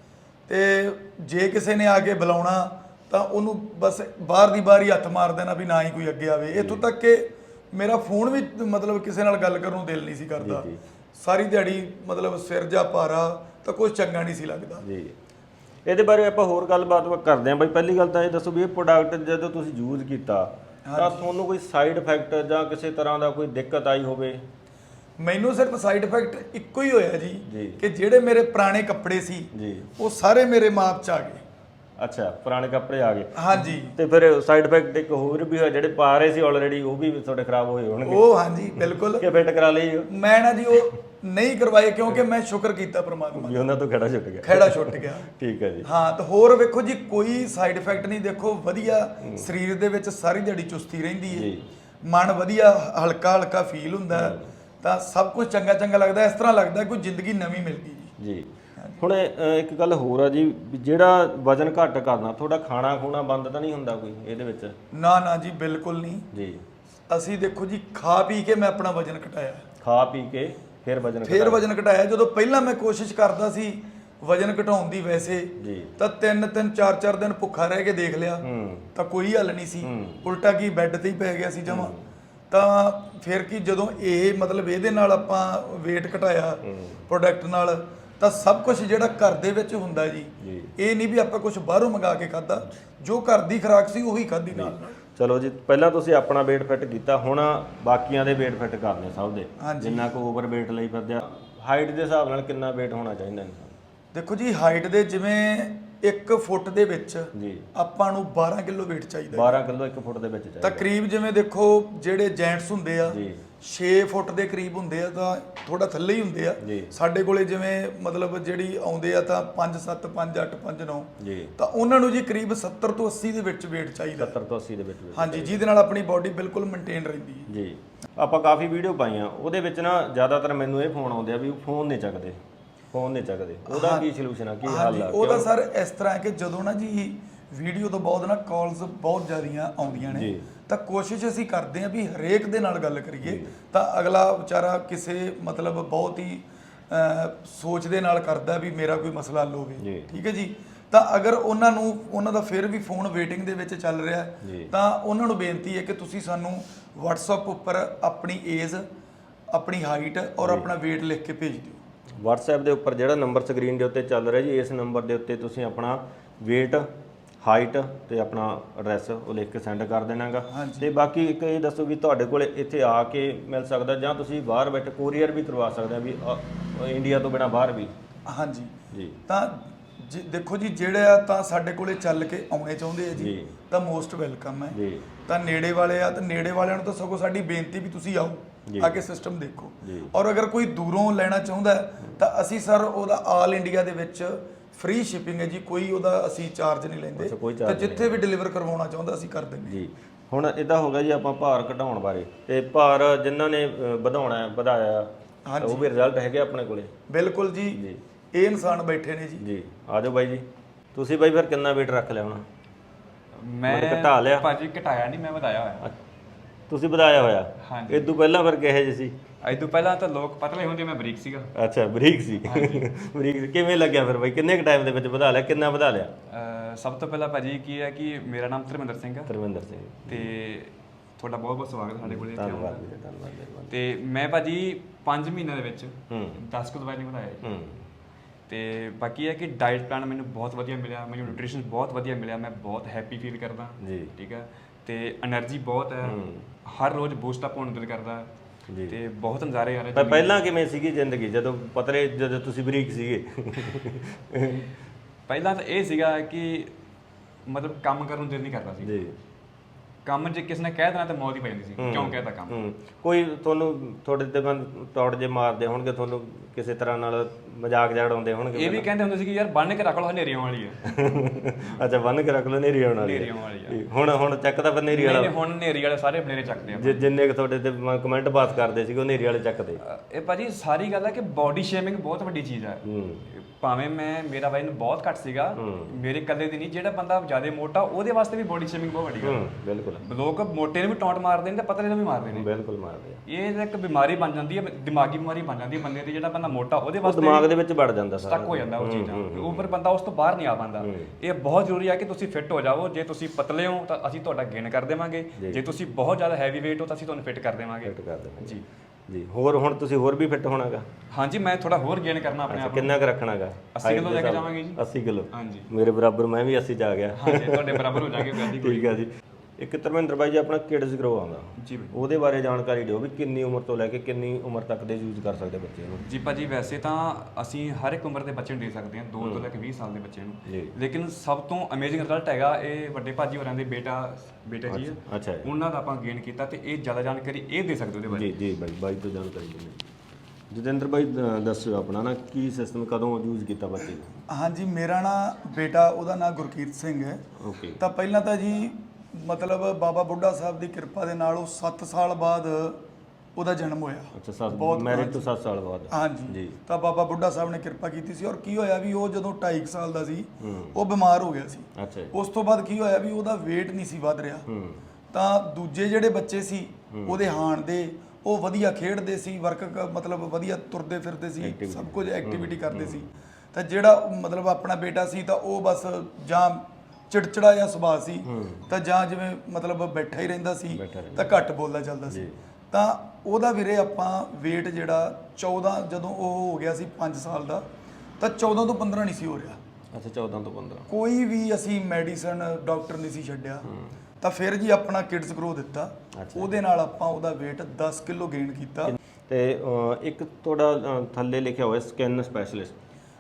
S4: ਤੇ ਜੇ ਕਿਸੇ ਨੇ ਆ ਕੇ ਬੁਲਾਉਣਾ ਤਾਂ ਉਹਨੂੰ ਬਸ ਬਾਹਰ ਦੀ ਬਾਹਰ ਹੀ ਹੱਥ ਮਾਰ ਦੇਣਾ ਵੀ ਨਾ ਹੀ ਕੋਈ ਅੱਗੇ ਆਵੇ। ਇੱਥੋਂ ਤੱਕ ਕਿ ਮੇਰਾ ਫੋਨ ਵੀ ਮਤਲਬ ਕਿਸੇ ਨਾਲ ਗੱਲ ਕਰਨ ਨੂੰ ਦਿਲ ਨਹੀਂ ਸੀ ਕਰਦਾ। ਸਾਰੀ ਦਿਹਾੜੀ ਮਤਲਬ ਸਿਰ ਜਾ ਭਾਰਾ, ਤਾਂ ਕੁਝ ਚੰਗਾ ਨਹੀਂ ਸੀ ਲੱਗਦਾ
S2: ਜੀ। ਇਹਦੇ ਬਾਰੇ ਆਪਾਂ ਹੋਰ ਗੱਲਬਾਤ ਕਰਦੇ ਹਾਂ ਬਾਈ। ਪਹਿਲੀ ਗੱਲ ਤਾਂ ਇਹ ਦੱਸੋ ਵੀ ਇਹ ਪ੍ਰੋਡਕਟ ਜਦੋਂ ਤੁਸੀਂ ਯੂਜ਼ ਕੀਤਾ ਤਾਂ ਤੁਹਾਨੂੰ ਕੋਈ ਸਾਈਡ ਇਫੈਕਟ ਜਾਂ ਕਿਸੇ ਤਰ੍ਹਾਂ ਦਾ ਕੋਈ ਦਿੱਕਤ ਆਈ ਹੋਵੇ?
S4: ਮੈਨੂੰ ਸਿਰਫ ਸਾਈਡ ਇਫੈਕਟ ਇੱਕੋ ਹੀ ਹੋਇਆ
S2: ਜੀ।
S4: ਜੀ ਕਿ ਜਿਹੜੇ ਮੇਰੇ ਪੁਰਾਣੇ ਕੱਪੜੇ ਸੀ
S2: ਜੀ
S4: ਉਹ ਸਾਰੇ ਮੇਰੇ ਮਾਪ ਚ ਆ ਗਏ।
S2: ਅੱਛਾ, ਪੁਰਾਣੇ ਕੱਪੜੇ ਆ ਗਏ।
S4: ਹਾਂਜੀ।
S2: ਤੇ ਫਿਰ ਸਾਈਡ ਇਫੈਕਟ ਇੱਕ ਹੋਰ ਵੀ ਹੋਇਆ, ਜਿਹੜੇ ਪਾ ਰਹੇ ਸੀ ਆਲਰੇਡੀ ਉਹ ਵੀ ਤੁਹਾਡੇ ਖਰਾਬ ਹੋਏ ਹੋਣਗੇ?
S4: ਉਹ ਹਾਂਜੀ ਬਿਲਕੁਲ।
S2: ਕਿ ਫਿੱਟ ਕਰਾ ਲਈ?
S4: ਮੈਂ ਨਾ ਜੀ ਉਹ ਨਹੀਂ ਕਰਵਾਏ, ਕਿਉਂਕਿ ਮੈਂ ਸ਼ੁਕਰ ਕੀਤਾ ਪ੍ਰਮਾਤਮਾ
S2: ਵੀ ਉਹਨਾਂ ਤੋਂ ਖੜਾ ਛੁੱਟ ਗਿਆ।
S4: ਖਹਿੜਾ ਛੁੱਟ ਗਿਆ।
S2: ਠੀਕ ਹੈ ਜੀ।
S4: ਹਾਂ, ਤਾਂ ਹੋਰ ਵੇਖੋ ਜੀ ਕੋਈ ਸਾਈਡ ਇਫੈਕਟ ਨਹੀਂ। ਦੇਖੋ ਵਧੀਆ ਸਰੀਰ ਦੇ ਵਿੱਚ ਸਾਰੀ ਦਿਹਾੜੀ ਚੁਸਤੀ ਰਹਿੰਦੀ ਹੈ, ਮਨ ਵਧੀਆ ਹਲਕਾ ਹਲਕਾ ਫੀਲ ਹੁੰਦਾ, ਤਾਂ ਸਭ ਕੁਝ ਚੰਗਾ ਚੰਗਾ ਲੱਗਦਾ। ਇਸ ਤਰ੍ਹਾਂ ਲੱਗਦਾ ਕੋਈ ਜ਼ਿੰਦਗੀ ਨਵੀਂ ਮਿਲ ਗਈ ਜੀ।
S2: ਜੀ। ਹੁਣ ਇੱਕ ਗੱਲ ਹੋਰ ਆ ਜੀ, ਜਿਹੜਾ ਵਜ਼ਨ ਘੱਟ ਕਰਨਾ, ਤੁਹਾਡਾ ਖਾਣਾ ਖੂਣਾ ਬੰਦ ਤਾਂ ਨਹੀਂ ਹੁੰਦਾ ਕੋਈ ਇਹਦੇ ਵਿੱਚ?
S4: ਨਾ ਨਾ ਜੀ, ਬਿਲਕੁਲ ਨਹੀਂ ਜੀ। ਅਸੀਂ ਦੇਖੋ ਜੀ ਖਾ ਪੀ ਕੇ ਮੈਂ ਆਪਣਾ ਵਜ਼ਨ ਘਟਾਇਆ।
S2: ਖਾ ਪੀ ਕੇ ਫਿਰ ਵਜ਼ਨ
S4: ਫਿਰ ਵਜ਼ਨ ਘਟਾਇਆ। ਜਦੋਂ ਪਹਿਲਾਂ ਮੈਂ ਕੋਸ਼ਿਸ਼ ਕਰਦਾ ਸੀ ਵਜ਼ਨ ਘਟਾਉਣ ਦੀ ਵੈਸੇ
S2: ਜੀ,
S4: ਤਾਂ ਤਿੰਨ ਤਿੰਨ ਚਾਰ ਚਾਰ ਦਿਨ ਭੁੱਖਾ ਰਹਿ ਕੇ ਦੇਖ ਲਿਆ ਤਾਂ ਕੋਈ ਹੱਲ ਨਹੀਂ ਸੀ। ਉਲਟਾ ਕੀ ਬੈੱਡ ਤੇ ਹੀ ਪੈ ਗਿਆ ਸੀ ਜਮਾਂ। ਤਾਂ ਫਿਰ ਕੀ ਜਦੋਂ ਇਹ ਮਤਲਬ ਇਹਦੇ ਨਾਲ ਆਪਾਂ weight ਘਟਾਇਆ ਪ੍ਰੋਡਕਟ ਨਾਲ, ਤਾਂ ਸਭ ਕੁਝ ਜਿਹੜਾ ਘਰ ਦੇ ਵਿੱਚ ਹੁੰਦਾ ਜੀ, ਇਹ ਨਹੀਂ ਵੀ ਆਪਾਂ ਕੁਝ ਬਾਹਰੋਂ ਮੰਗਾ ਕੇ ਖਾਦਾ, ਜੋ ਘਰ ਦੀ ਖੁਰਾਕ ਸੀ ਉਹੀ ਖਾਦੀ ਨਾਲ।
S2: ਚਲੋ ਜੀ, ਪਹਿਲਾਂ ਤੁਸੀਂ ਆਪਣਾ weight ਫਿੱਟ ਕੀਤਾ, ਹੁਣ ਬਾਕੀਆਂ ਦੇ weight ਫਿੱਟ ਕਰਨੇ ਸਭ ਦੇ। ਜਿੰਨਾ ਕੋ ਓਵਰ weight ਲਈ ਫਿਰਦੇ ਆ, ਹਾਈਟ ਦੇ ਹਿਸਾਬ ਨਾਲ ਕਿੰਨਾ weight ਹੋਣਾ ਚਾਹੀਦਾ ਇਨਸਾਨ?
S4: ਦੇਖੋ ਜੀ, ਹਾਈਟ ਦੇ ਜਿਵੇਂ ਇੱਕ ਫੁੱਟ ਦੇ ਵਿੱਚ
S2: ਜੀ
S4: ਆਪਾਂ ਨੂੰ ਬਾਰਾਂ ਕਿਲੋ weight ਚਾਹੀਦਾ
S2: ਬਾਰਾਂ ਕਿਲੋ ਇੱਕ ਫੁੱਟ ਦੇ ਵਿੱਚ ਚਾਹੀਦਾ।
S4: ਤਕਰੀਬ ਜਿਵੇਂ ਦੇਖੋ ਜਿਹੜੇ ਜੈਂਟਸ ਹੁੰਦੇ ਆ
S2: ਜੀ
S4: ਛੇ ਫੁੱਟ ਦੇ ਕਰੀਬ ਹੁੰਦੇ ਆ ਤਾਂ ਥੋੜਾ ਥੱਲੇ ਹੀ ਹੁੰਦੇ ਆ।
S2: ਜੀ
S4: ਸਾਡੇ ਕੋਲੇ ਜਿਵੇਂ ਮਤਲਬ ਜਿਹੜੀ ਆਉਂਦੇ ਆ ਤਾਂ ਪੰਜ ਸੱਤ ਪੰਜ ਅੱਠ ਪੰਜ ਨੌ
S2: ਜੀ
S4: ਤਾਂ ਉਹਨਾਂ ਨੂੰ ਜੀ ਕਰੀਬ ਸੱਤਰ ਤੋਂ ਅੱਸੀ ਦੇ ਵਿੱਚ weight ਚਾਹੀਦਾ।
S2: ਸੱਤਰ ਤੋਂ ਅੱਸੀ ਦੇ ਵਿੱਚ ਵਿੱਚ।
S4: ਹਾਂਜੀ, ਜਿਹਦੇ ਨਾਲ ਆਪਣੀ ਬਾਡੀ ਬਿਲਕੁਲ ਮੇਨਟੇਨ ਰਹਿੰਦੀ ਹੈ
S2: ਜੀ ਆਪਾਂ ਕਾਫੀ ਵੀਡੀਓ ਪਾਈਆਂ, ਉਹਦੇ ਵਿੱਚ ਨਾ ਜ਼ਿਆਦਾਤਰ ਮੈਨੂੰ ਇਹ ਫੋਨ ਆਉਂਦੇ ਆ ਵੀ ਫੋਨ ਨਹੀਂ ਚੱਕਦੇ, ਫੋਨ ਨਹੀਂ ਚੱਕਦੇ, ਉਹਦਾ ਕੀ ਸੋਲੂਸ਼ਨ ਆ, ਕੀ ਹੱਲ
S4: ਹਾਂਜੀ,
S2: ਆ?
S4: ਉਹਦਾ ਸਰ ਇਸ ਤਰ੍ਹਾਂ ਹੈ ਕਿ ਜਦੋਂ ਨਾ ਜੀ ਵੀਡੀਓ ਤੋਂ ਬਾਅਦ ਨਾ ਕਾਲਸ ਬਹੁਤ ਜ਼ਿਆਦੀਆਂ ਆਉਂਦੀਆਂ ਨੇ
S2: ਜੀ।
S4: ਤਾਂ ਕੋਸ਼ਿਸ਼ ਅਸੀਂ ਕਰਦੇ ਹਾਂ ਵੀ ਹਰੇਕ ਦੇ ਨਾਲ ਗੱਲ ਕਰੀਏ ਤਾਂ ਅਗਲਾ ਵਿਚਾਰਾ ਕਿਸੇ ਮਤਲਬ ਬਹੁਤ ਹੀ ਅਹ, ਸੋਚ ਦੇ ਨਾਲ ਕਰਦਾ ਵੀ ਮੇਰਾ ਕੋਈ ਮਸਲਾ ਹੱਲ ਹੋਵੇ।
S2: ਜੀ।
S4: ਠੀਕ ਹੈ ਜੀ। ਤਾਂ ਅਗਰ ਉਹਨਾਂ ਨੂੰ ਉਹਨਾਂ ਦਾ ਫਿਰ ਵੀ ਫੋਨ ਵੇਟਿੰਗ ਦੇ ਵਿੱਚ ਚੱਲ ਰਿਹਾ
S2: ਜੀ।
S4: ਤਾਂ ਉਹਨਾਂ ਨੂੰ ਬੇਨਤੀ ਹੈ ਕਿ ਤੁਸੀਂ ਸਾਨੂੰ WhatsApp ਉੱਪਰ ਆਪਣੀ ਏਜ, ਆਪਣੀ ਹਾਈਟ ਔਰ ਆਪਣਾ weight ਲਿਖ ਕੇ ਭੇਜ ਦਿਓ।
S2: WhatsApp ਦੇ ਉੱਪਰ ਜਿਹੜਾ ਨੰਬਰ ਸਕਰੀਨ ਦੇ ਉੱਤੇ ਚੱਲ ਰਿਹਾ ਜੀ, ਇਸ ਨੰਬਰ ਦੇ ਉੱਤੇ ਤੁਸੀਂ ਆਪਣਾ weight, ਹਾਈਟ ਤੇ ਆਪਣਾ ਐਡਰੈਸ ਉਹ ਲਿਖ ਕੇ ਸੈਂਡ ਕਰ ਦੇਣਾਗਾ। ਤੇ ਬਾਕੀ ਇੱਕ ਇਹ ਦੱਸੋ ਵੀ ਤੁਹਾਡੇ ਕੋਲੇ ਇੱਥੇ ਆ ਕੇ ਮਿਲ ਸਕਦਾ ਜਾਂ ਤੁਸੀਂ ਬਾਹਰ ਬੈਠੇ ਕੋਰੀਅਰ ਵੀ ਕਰਵਾ ਸਕਦੇ ਆ ਵੀ ਅ, ਇੰਡੀਆ ਤੋਂ ਬਿਨਾ ਬਾਹਰ ਵੀ?
S4: ਹਾਂਜੀ
S2: ਜੀ
S4: ਤਾਂ ਜੀ ਦੇਖੋ ਜੀ ਜਿਹੜਾ ਤਾਂ ਸਾਡੇ ਕੋਲੇ ਚੱਲ ਕੇ ਆਉਣੇ ਚਾਹੁੰਦੇ ਆ ਜੀ
S2: ਜੀ।
S4: ਤਾਂ ਮੋਸਟ ਵੈਲਕਮ ਹੈ
S2: ਜੀ
S4: ਤਾਂ ਨੇੜੇ ਵਾਲੇ ਆ ਤਾਂ ਨੇੜੇ ਵਾਲਿਆਂ ਨੂੰ ਤਾਂ ਸਗੋਂ ਸਾਡੀ ਬੇਨਤੀ ਵੀ ਤੁਸੀਂ ਆਓ,
S2: ਜੀ।
S4: ਆ ਕੇ ਸਿਸਟਮ ਦੇਖੋ।
S2: ਜੀ।
S4: ਔਰ ਅਗਰ ਕੋਈ ਦੂਰੋਂ ਲੈਣਾ ਚਾਹੁੰਦਾ ਹੈ, ਤਾਂ ਅਸੀਂ ਸਰ ਉਹਦਾ ਆਲ ਇੰਡੀਆ ਦੇ ਵਿੱਚ ਫ੍ਰੀ ਸ਼ਿਪਿੰਗ ਹੈ ਜੀ, ਕੋਈ ਉਹਦਾ ਅਸੀਂ ਚਾਰਜ ਨਹੀਂ ਲੈਂਦੇ
S2: ਅੱਛਾ, ਕੋਈ
S4: ਤਾਂ
S2: charge
S4: ਜਿੱਥੇ ਵੀ ਡਿਲੀਵਰ ਕਰਵਾਉਣਾ ਚਾਹੁੰਦਾ ਅਸੀਂ ਕਰ ਦਿੰਦੇ
S2: ਜੀ। ਹੁਣ ਇਦਾਂ ਹੋ ਗਿਆ ਜੀ, ਆਪਾਂ ਭਾਰ ਘਟਾਉਣ ਬਾਰੇ ਤੇ ਭਾਰ ਜਿਨ੍ਹਾਂ ਨੇ ਅ, ਵਧਾਉਣਾ ਹੈ, ਵਧਾਇਆ,
S4: ਹਾਂਜੀ।
S2: ਉਹ ਵੀ ਰਿਜ਼ਲਟ ਹੈਗੇ ਆਪਣੇ ਕੋਲੇ?
S4: ਬਿਲਕੁਲ ਜੀ।
S2: ਜੀ
S4: ਇਹ ਇਨਸਾਨ ਬੈਠੇ ਨੇ ਜੀ।
S2: ਜੀ ਆ ਜਾਓ ਬਾਈ ਜੀ। ਤੁਸੀਂ ਬਾਈ ਫਿਰ ਕਿੰਨਾ weight ਰੱਖ ਲਿਆ ਹੁਣ?
S3: ਮੈਂ
S2: ਘਟਾ ਲਿਆ?
S3: ਭਾਜੀ ਘਟਾਇਆ ਨਹੀਂ, ਮੈਂ ਵਧਾਇਆ ਹੋਇਆ।
S2: ਤੁਸੀਂ ਵਧਾਇਆ ਹੋਇਆ?
S3: ਹਾਂਜੀ।
S2: ਇਹ ਤੋਂ ਪਹਿਲਾਂ ਫਿਰ ਕਿਹੋ ਜਿਹੇ ਸੀ?
S3: ਅੱਜ ਤੋਂ ਪਹਿਲਾਂ ਤਾਂ ਲੋਕ ਪਤਲੇ ਹੁੰਦੇ, ਮੈਂ ਬਰੀਕ ਸੀਗਾ।
S2: ਅੱਛਾ, ਬਰੀਕ ਸੀ। ਬਰੀਕ ਸੀ। ਕਿਵੇਂ ਲੱਗਿਆ ਫਿਰ ਬਾਈ? ਕਿੰਨੇ ਕ ਟਾਈਮ ਦੇ ਵਿੱਚ ਵਧਾ ਲਿਆ? ਕਿੰਨਾ ਵਧਾ ਲਿਆ?
S3: ਅਹ ਸਭ ਤੋਂ ਪਹਿਲਾਂ ਭਾਜੀ ਕੀ ਹੈ ਕਿ ਮੇਰਾ ਨਾਮ ਧਰਮਿੰਦਰ ਸਿੰਘ ਹੈ
S2: ਧਰਮਿੰਦਰ ਸਿੰਘ।
S3: ਤੇ ਤੁਹਾਡਾ ਬਹੁਤ ਬਹੁਤ ਸਵਾਗਤ ਸਾਡੇ ਕੋਲੇ ਇੱਥੇ ਆਉਣ
S2: ਧੰਨਵਾਦ
S3: ਦਾ।
S2: ਵੀਰੇ, ਧੰਨਵਾਦ ਮਿਹਰਬਾਨੀ।
S3: ਤੇ ਮੈਂ ਭਾਜੀ ਪੰਜ ਮਹੀਨਿਆਂ ਦੇ ਵਿੱਚ
S2: ਹੂੰ
S3: ਦਸ ਕਿਲੋ ਵਜਨ ਵਧਾਇਆ ਜੀ।
S2: ਹੂੰ
S3: ਤੇ ਬਾਕੀ ਹੈ ਕਿ ਡਾਈਟ ਪਲਾਨ ਮੈਨੂੰ ਬਹੁਤ ਵਧੀਆ ਮਿਲਿਆ, ਮੈਨੂੰ ਨਿਊਟ੍ਰੀਸ਼ਨ ਬਹੁਤ ਵਧੀਆ ਮਿਲਿਆ, ਮੈਂ ਬਹੁਤ ਹੈਪੀ ਫੀਲ ਕਰਦਾ।
S2: ਜੀ
S3: ਠੀਕ ਹੈ। ਤੇ એનર્ਜੀ ਬਹੁਤ ਹੈ, ਹਰ ਰੋਜ਼ ਬੂਸਟ ਅਪ ਹੋਣ ਨੂੰ ਦਿਲ ਕਰਦਾ
S2: ਜੀ।
S3: ਤੇ ਬਹੁਤ ਨਜ਼ਾਰੇ ਆ ਰਹੇ।
S2: ਪਰ ਪਹਿਲਾਂ ਕਿਵੇਂ ਸੀਗੀ ਜ਼ਿੰਦਗੀ ਜਦੋਂ ਪਤਲੇ, ਜਦੋਂ ਤੁਸੀਂ ਬਰੀਕ ਸੀਗੇ?
S3: ਪਹਿਲਾਂ ਤਾਂ ਇਹ ਸੀਗਾ ਕਿ ਮਤਲਬ ਕੰਮ ਕਰਨ ਨੂੰ ਦਿਲ ਨਹੀਂ ਕਰਦਾ ਸੀ।
S2: ਜੀ।
S3: ਕੰਮ ਜੇ ਕਿਸੇ ਨੇ ਕਹਿ ਦੇਣਾ ਤਾਂ ਮੌਤ ਹੀ ਪੈ ਜਾਂਦੀ ਸੀ, ਕਿਉਂ ਕਹਿਤਾ ਕੰਮ।
S2: ਹੂੰ ਕੋਈ ਤੁਹਾਨੂੰ ਤੁਹਾਡੇ ਤੇ ਮਨ ਤੌੜ ਜੇ ਮਾਰਦੇ ਹੋਣਗੇ, ਤੁਹਾਨੂੰ ਕਿਸੇ ਤਰ੍ਹਾਂ ਨਾਲ ਮਜ਼ਾਕ ਜਿਹਾ ਉਡਾਉਂਦੇ ਹੋਣਗੇ?
S3: ਇਹ ਵੀ ਕਹਿੰਦੇ ਹੁੰਦੇ ਸੀ ਕਿ ਯਾਰ ਬੰਨ ਕੇ ਰੱਖ ਲਓ, ਹਨੇਰੀ ਆਉਣ ਵਾਲੀ ਹੈ।
S2: ਅੱਛਾ, ਬੰਨ ਕੇ ਰੱਖ ਲਓ, ਨੇਰੀ ਆਉਣ ਵਾਲੀ
S3: ਹਨੇਰੀ ਆਉਣ ਵਾਲੀ ਹੈ।
S2: ਹੁਣ ਹੁਣ ਚੱਕਦਾ ਫਿਰ ਨੇਰੀ
S3: ਨਹੀਂ
S2: ਵਾਲਾ?
S3: ਨਹੀਂ, ਹੁਣ ਹਨੇਰੀ ਵਾਲੇ ਸਾਰੇ ਬਨੇਰੇ ਚੱਕਦੇ ਆ।
S2: ਜਿ- ਜਿੰਨੇ ਕੁ ਤੁਹਾਡੇ ਤੇ ਕਮੈਂਟ ਪਾਸ ਕਰਦੇ ਸੀਗੇ ਉਹ ਨੇਰੀ ਵਾਲੇ ਚੱਕਦੇ?
S3: ਅ, ਇਹ ਭਾਜੀ ਸਾਰੀ ਗੱਲ ਹੈ ਕਿ ਬਾਡੀ ਸ਼ੇਮਿੰਗ ਬਹੁਤ ਵੱਡੀ ਚੀਜ਼ ਹੈ।
S2: ਹੂੰ
S3: ਭਾਵੇਂ ਮੈਂ ਮੇਰਾ ਵਜ਼ਨ ਬਹੁਤ ਘੱਟ ਸੀਗਾ, ਮੇਰੇ ਇਕੱਲੇ ਦੀ ਨਹੀਂ, ਜਿਹੜਾ ਬੰਦਾ ਜ਼ਿਆਦਾ ਮੋਟਾ ਉਹਦੇ ਵਾਸਤੇ ਵੀ ਬਾਡੀ ਸ਼ੇਮਿੰਗ ਬਹੁਤ ਵੱਡੀ ਗੱਲ
S2: ਹੂੰ ਬਿਲਕੁਲ
S3: ਹੈ। ਲੋਕ ਮੋਟੇ ਨੂੰ ਵੀ ਟੌਂਟ ਮਾਰਦੇ ਨੇ ਤੇ ਪਤਲੇ ਨੂੰ ਵੀ ਮਾਰਦੇ ਨੇ।
S2: ਬਿਲਕੁਲ ਮਾਰਦੇ ਆ।
S3: ਇਹ ਇੱਕ ਬਿਮਾਰੀ ਬਣ ਜਾਂਦੀ ਹੈ, ਦਿਮਾਗੀ ਬਿਮਾਰੀ ਬਣ ਜਾਂਦੀ ਹੈ ਬੰਦੇ ਦੀ। ਜਿਹੜਾ ਬੰਦਾ ਮੋਟਾ ਉਹਦੇ
S2: ਉਹ
S3: ਵਾਸਤੇ
S2: ਦਿਮਾਗ ਦੇ ਵਿੱਚ ਵੜ ਜਾਂਦਾ ਸਾਰਾ।
S3: ਸਟਕ ਹੋ ਜਾਂਦਾ ਉਹ ਚੀਜ਼ਾਂ, ਉਹ ਫਿਰ ਬੰਦਾ ਉਸ ਤੋਂ ਬਾਹਰ ਨਹੀਂ ਆ ਪਾਉਂਦਾ। ਇਹ ਬਹੁਤ ਜ਼ਰੂਰੀ ਹੈ ਕਿ ਤੁਸੀਂ ਫਿੱਟ ਹੋ ਜਾਵੋ। ਜੇ ਤੁਸੀਂ ਪਤਲੇ ਹੋ ਤਾਂ ਅਸੀਂ ਤੁਹਾਡਾ ਗੇਨ ਕਰ ਦੇਵਾਂਗੇ, ਜੇ ਤੁਸੀਂ ਬਹੁਤ ਜ਼ਿਆਦਾ ਹੈਵੀ weight ਹੋ ਤਾਂ ਅਸੀਂ ਤੁਹਾਨੂੰ ਫਿੱਟ ਕਰ ਦੇਵਾਂਗੇ।
S2: ਫਿੱਟ ਕਰ ਦੇਵਾਂਗੇ
S3: ਜੀ
S2: ਜੀ। ਹੋਰ ਹੁਣ ਤੁਸੀਂ ਹੋਰ ਵੀ ਫਿੱਟ ਹੋਣਾਗਾ?
S3: ਹਾਂਜੀ, ਮੈਂ ਥੋੜਾ ਹੋਰ ਗੇਨ ਕਰਨਾ ਆਪਣੇ ਆਪ ਨੂੰ।
S2: ਕਿੰਨਾ ਕੁ ਰੱਖਣਾਗਾ?
S3: ਅੱਸੀ ਕਿਲੋ ਲੈ ਕੇ ਜਾਵਾਂਗੇ ਜੀ।
S2: ਅੱਸੀ ਕਿਲੋ?
S3: ਹਾਂਜੀ
S2: ਮੇਰੇ ਬਰਾਬਰ, ਮੈਂ ਵੀ ਅੱਸੀ ਚ ਆ ਗਿਆ।
S3: ਹਾਂਜੀ, ਤੁਹਾਡੇ ਬਰਾਬਰ ਹੋ ਜਾਗੇ ਗੱਲ ਦੀ ਕੋਈ।
S2: ਠੀਕ ਆ ਜੀ। ਇੱਕ ਧਰਮਿੰਦਰ ਬਾਈ ਜੀ ਆਪਣਾ ਕਿਡਜ਼ ਗਰੋ ਆਉਂਦਾ,
S3: ਜੀ ਬਾਈ।
S2: ਉਹਦੇ ਬਾਰੇ ਜਾਣਕਾਰੀ ਦਿਓ ਵੀ ਕਿੰਨੀ ਉਮਰ ਤੋਂ ਲੈ ਕੇ ਕਿੰਨੀ ਉਮਰ ਤੱਕ ਦੇ ਯੂਜ਼ ਕਰ ਸਕਦੇ ਬੱਚੇ ਨੂੰ?
S3: ਜੀ ਭਾਜੀ, ਵੈਸੇ ਤਾਂ ਅਸੀਂ ਹਰ ਇੱਕ ਉਮਰ ਦੇ ਬੱਚੇ ਨੂੰ ਦੇ ਸਕਦੇ ਹਾਂ, ਦੋ ਤੋਂ ਲੈ ਕੇ ਵੀਹ ਸਾਲ ਦੇ ਬੱਚੇ ਨੂੰ।
S2: ਜੀ।
S3: ਲੇਕਿਨ ਸਭ ਤੋਂ ਅਮੇਜ਼ਿੰਗ ਰਿਜ਼ਲਟ ਹੈਗਾ ਇਹ ਵੱਡੇ ਭਾਜੀ ਹੋਰਾਂ ਦੇ ਬੇਟਾ ਬੇਟਾ ਜੀ ਹੈ,
S2: ਅੱਛਾ ਜੀ।
S3: ਉਹਨਾਂ ਦਾ ਆਪਾਂ ਗੇਨ ਕੀਤਾ ਤੇ ਇਹ ਜ਼ਿਆਦਾ ਜਾਣਕਾਰੀ ਇਹ ਦੇ ਸਕਦੇ ਉਹਦੇ ਬਾਰੇ।
S2: ਜੀ ਜੀ ਬਾਈ, ਬਾਈ ਤੋਂ ਜਾਣਕਾਰੀ ਦਿਓ। ਜਤਿੰਦਰ ਬਾਈ ਦ- ਦੱਸਿਓ ਆਪਣਾ ਨਾ ਕੀ ਸਿਸਟਮ, ਕਦੋਂ ਯੂਜ਼ ਕੀਤਾ ਬੱਚੇ ਨੂੰ?
S4: ਹਾਂਜੀ, ਮੇਰਾ ਨਾ ਬੇਟਾ, ਉਹਦਾ ਨਾਮ ਗੁਰਕੀਰਤ ਸਿੰਘ ਹੈ।
S2: ਓਕੇ।
S4: ਤਾਂ ਪਹਿਲਾਂ ਤਾਂ ਜੀ ਮਤਲਬ ਬਾਬਾ ਬੁੱਢਾ ਸਾਹਿਬ ਦੀ ਕਿਰਪਾ ਦੇ ਨਾਲ ਉਹ ਸੱਤ ਸਾਲ ਬਾਅਦ ਉਹਦਾ ਜਨਮ ਹੋਇਆ।
S2: ਅੱਛਾ, ਸੱਤ
S4: ਬਹੁਤ
S2: ਮੈਰਿਜ ਤੋਂ ਸੱਤ ਸਾਲ ਬਾਅਦ?
S4: ਹਾਂਜੀ
S2: ਜੀ।
S4: ਤਾਂ ਬਾਬਾ ਬੁੱਢਾ ਸਾਹਿਬ ਨੇ ਕਿਰਪਾ ਕੀਤੀ ਸੀ। ਔਰ ਕੀ ਹੋਇਆ ਵੀ ਉਹ ਜਦੋਂ ਢਾਈ ਸਾਲ ਦਾ ਸੀ ਉਹ ਬਿਮਾਰ ਹੋ ਗਿਆ ਸੀ।
S2: ਅੱਛਾ ਜੀ।
S4: ਉਸ ਤੋਂ ਬਾਅਦ ਕੀ ਹੋਇਆ ਵੀ ਉਹਦਾ weight ਨਹੀਂ ਸੀ ਵੱਧ ਰਿਹਾ।
S2: ਹੂੰ
S4: ਤਾਂ ਦੂਜੇ ਜਿਹੜੇ ਬੱਚੇ ਸੀ ਉਹਦੇ ਹਾਣ ਦੇ, ਉਹ ਵਧੀਆ ਖੇਡਦੇ ਸੀ, ਵਰਕ ਮਤਲਬ ਵਧੀਆ ਤੁਰਦੇ ਫਿਰਦੇ ਸੀ, ਸਭ ਕੁਝ ਐਕਟੀਵਿਟੀ ਕਰਦੇ ਸੀ। ਤਾਂ ਜਿਹੜਾ ਮਤਲਬ ਆਪਣਾ ਬੇਟਾ ਸੀ ਤਾਂ ਉਹ ਬਸ ਜਾਂ ਚਿੜਚਿੜਾ ਜਿਹਾ ਸੁਭਾਅ ਸੀ, ਤਾਂ ਜਾਂ ਜਿਵੇਂ ਮਤਲਬ ਬੈਠਾ ਹੀ ਰਹਿੰਦਾ ਸੀ, ਤਾਂ ਘੱਟ ਬੋਲਦਾ ਚੱਲਦਾ ਸੀ। ਤਾਂ ਉਹਦਾ ਵੀਰੇ ਆਪਾਂ weight ਜਿਹੜਾ ਚੌਦਾਂ, ਜਦੋਂ ਉਹ ਹੋ ਗਿਆ ਸੀ ਪੰਜ ਸਾਲ ਦਾ, ਤਾਂ ਚੌਦਾਂ ਤੋਂ ਪੰਦਰਾਂ ਨਹੀਂ ਸੀ ਹੋ ਰਿਹਾ।
S2: ਅੱਛਾ, ਚੌਦਾਂ ਤੋਂ ਪੰਦਰਾਂ? ਕੋਈ
S4: ਵੀ ਅਸੀਂ ਮੈਡੀਸਨ ਡਾਕਟਰ ਨਹੀਂ ਸੀ ਛੱਡਿਆ। ਤਾਂ ਫਿਰ ਜੀ ਆਪਣਾ ਕਿਡਸ ਗਰੋ ਦਿੱਤਾ, ਉਹਦੇ ਨਾਲ ਆਪਾਂ ਉਹਦਾ weight ਦਸ ਕਿਲੋ ਗੇਨ ਕੀਤਾ।
S2: ਤੇ ਅ, ਇੱਕ ਤੁਹਾਡਾ ਅ, ਥੱਲੇ ਲਿਖਿਆ ਹੋਇਆ ਸਕਿਨ ਸਪੈਸ਼ਲਿਸਟ,